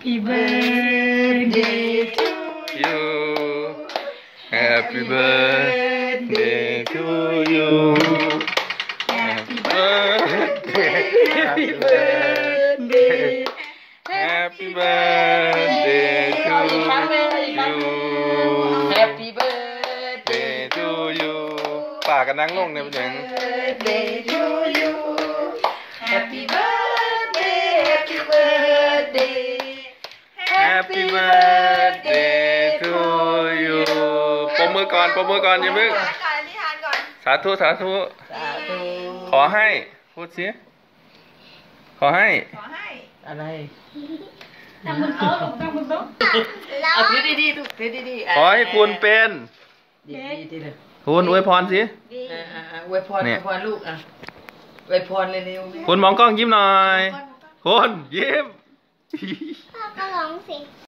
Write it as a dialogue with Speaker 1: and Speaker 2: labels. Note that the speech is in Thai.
Speaker 1: Happy birthday to
Speaker 2: you Happy birthday to you
Speaker 1: Happy birthday Happy birthday
Speaker 2: Happy birthday to you
Speaker 1: Happy birthday
Speaker 2: to you ป่ากันนั่งลงเนี่ยเป็นยัง
Speaker 1: birthday to you Happy birthday Happy birthday
Speaker 2: Happy birthday to you ปมมือก่อนอย่าเพิ่งสาธุ
Speaker 1: สาธุ
Speaker 2: ขอให้พูดสิขอให้
Speaker 1: อะไรตั้งบนโต๊ะเอาถือดีๆลูกถือดีๆ
Speaker 2: ขอให้คุณเป็น
Speaker 1: ดีๆเลย
Speaker 2: คุณอวยพรสิ
Speaker 1: อวยพรลูกอ่ะอวยพรเร็วๆ
Speaker 2: คุณมองกล้องยิ้มหน่อยคุณยิ้ม
Speaker 3: พ่อก็ร้องสิ